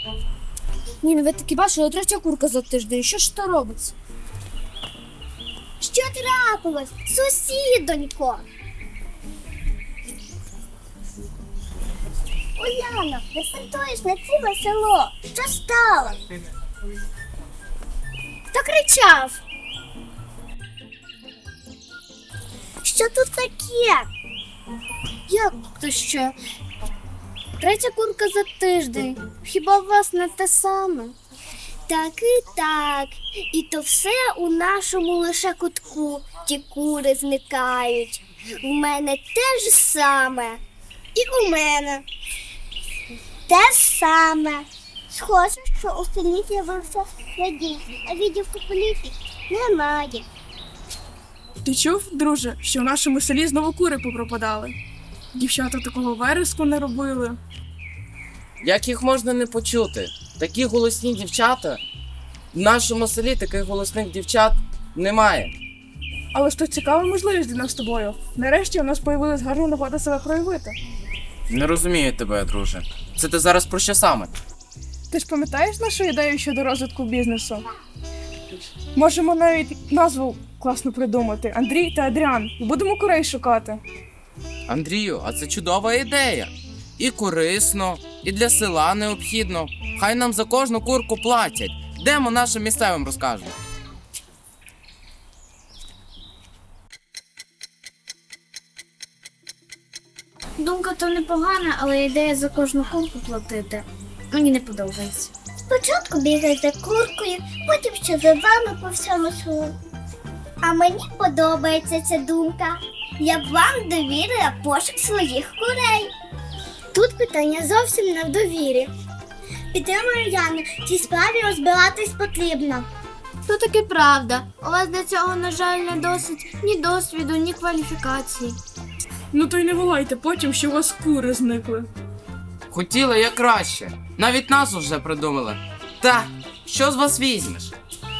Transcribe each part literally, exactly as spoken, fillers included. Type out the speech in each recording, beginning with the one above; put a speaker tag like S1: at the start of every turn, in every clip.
S1: Ні, ну ви таки бачили, третя курка за тиждень. Що ж то робиться?
S2: Що трапилось? Сусідонько! Уляно, не сортуєш на ціле село. Що стало?
S1: Хто кричав?
S2: Що тут таке?
S1: Як то що? Третя курка за тиждень. Хіба у вас не те саме?
S2: Так і так. І то все у нашому лише кутку. Ті кури зникають. У мене те ж саме. І у мене. Те ж саме. Схоже, що у селі з'явився радій, а відділку поліції немає.
S3: Ти чув, друже, що в нашому селі знову кури попропадали? Дівчата такого вереску не робили.
S4: Як їх можна не почути? Такі голосні дівчата. В нашому селі таких голосних дівчат немає.
S3: Але ж то цікава можливість для нас з тобою. Нарешті у нас появилась гарна нагода себе проявити.
S4: Не розумію тебе, друже. Це ти зараз про що саме?
S3: Ти ж пам'ятаєш нашу ідею щодо розвитку бізнесу? Можемо навіть назву класно придумати. Андрій та Адріан. І будемо курей шукати.
S4: Андрію, а це чудова ідея. І корисно, і для села необхідно. Хай нам за кожну курку платять. Йдемо нашим місцевим розкажемо.
S1: Думка то непогана, але ідея за кожну курку платити мені не подобається.
S2: Спочатку бігай за куркою, потім ще за вами по всьому селу. А мені подобається ця думка. Я б вам довірила пошук своїх курей. Тут питання зовсім не в довірі. Підтримую Яну, в цій справі розбиратись потрібно.
S1: То таки правда. У вас для цього, на жаль, не досить ні досвіду, ні кваліфікації.
S3: Ну то й не волайте потім, що у вас кури зникли.
S4: Хотіли як краще. Навіть назву вже придумали. Та, що з вас візьмеш?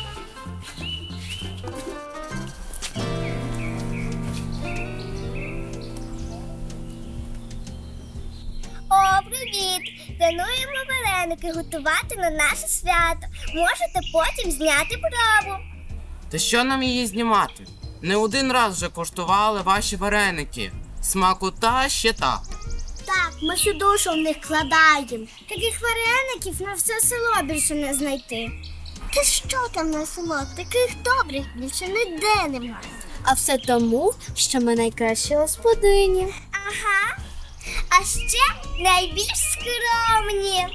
S2: О, привіт! Плануємо вареники готувати на наше свято. Можете потім зняти пробу.
S4: Та що нам її знімати? Не один раз вже коштували ваші вареники. Смакота ще та.
S2: Так, ми всю душу в них вкладаємо. Таких вареників на все село більше не знайти. Та що там на село? Таких добрих більше ніде немає.
S1: А все тому, що ми найкращі господині.
S2: Ага. А ще найбільш скромні.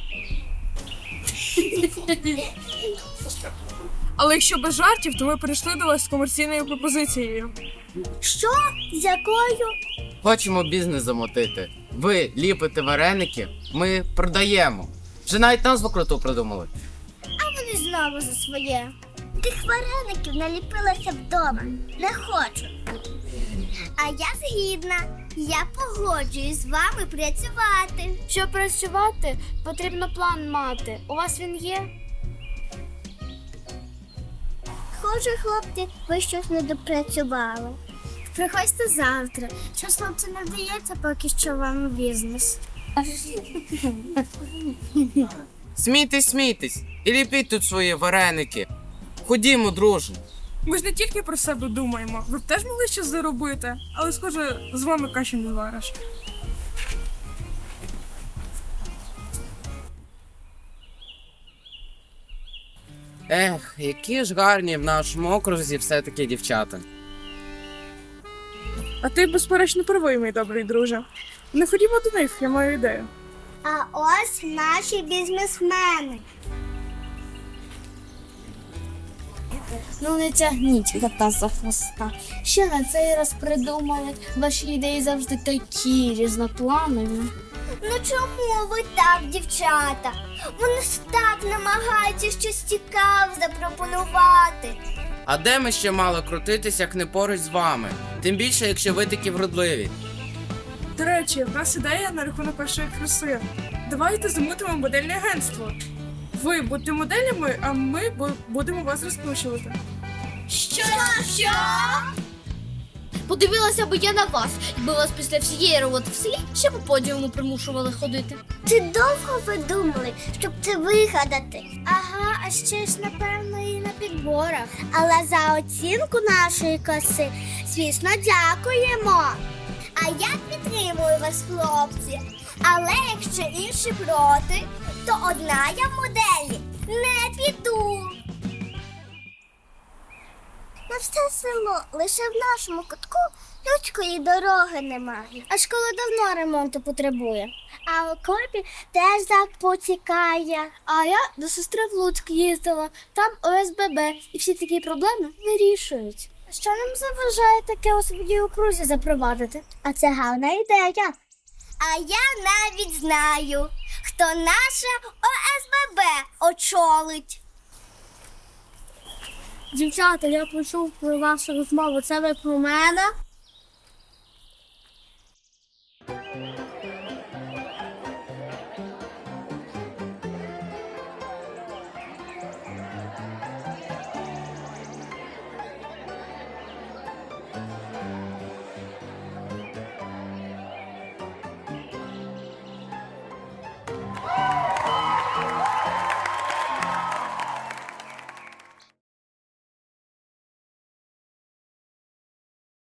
S3: Але якщо без жартів, то ми прийшли до вас з комерційною пропозицією.
S2: Що? З якою?
S4: Хочемо бізнес замотити. Ви ліпите вареники, ми продаємо. Вже навіть назву круту придумали.
S2: А вони знову за своє. Тих вареників наліпилася вдома. Не хочу. А я згідна. Я погоджуюсь з вами працювати.
S1: Щоб працювати, потрібно план мати. У вас він є?
S2: Схоже, хлопці, ви щось не допрацювали.
S1: Приходьте завтра. Щось хлопці не вдається поки що вам бізнес.
S4: Смійтесь, смійтесь і ліпіть тут свої вареники. Ходімо, друже.
S3: Ми ж не тільки про себе думаємо. Ви б теж могли щось заробити, але, схоже, з вами каші не звариш.
S4: Ех, які ж гарні в нашому окрузі все-таки дівчата.
S3: А ти, безперечно, правий, мій добрий друже. Не ходімо до них, я маю ідею.
S2: А ось наші бізнесмени.
S1: Ну не тягніть кота за хвоста. Що на цей раз придумали? Ваші ідеї завжди такі різнопланові.
S2: Ну чому ви так, дівчата? Вони ж так намагаються щось цікаве запропонувати.
S4: А де ми ще мали крутитись, як не поруч з вами? Тим більше, якщо ви такі вродливі.
S3: До речі, в нас ідея на рахунок першої краси. Давайте замутимо модельне агентство. Ви будете моделями, а ми бу- будемо вас розкручувати.
S2: Що? Що?
S1: Подивилася би я на вас, якби вас після всієї роботи в селі ще по подіуму примушували ходити.
S2: Чи довго ви думали, щоб це вигадати? Ага, а ще ж, напевно, і на підборах. Але за оцінку нашої коси, звісно, дякуємо. А я підтримую вас, хлопці. Але якщо інші проти, то одна я в моделі не піду. На все село, лише в нашому кутку людської дороги немає. А школа давно ремонту потребує. А в окопі теж зак потікає.
S1: А я до сестри в Луцьк їздила, там О С Б Б, і всі такі проблеми вирішують.
S2: Що нам заважає таке у своїй окрузі запровадити? А це гарна ідея. А я навіть знаю, хто наше О С Б Б очолить.
S1: Дівчата, я почув про вашу розмову. Це ви про мене?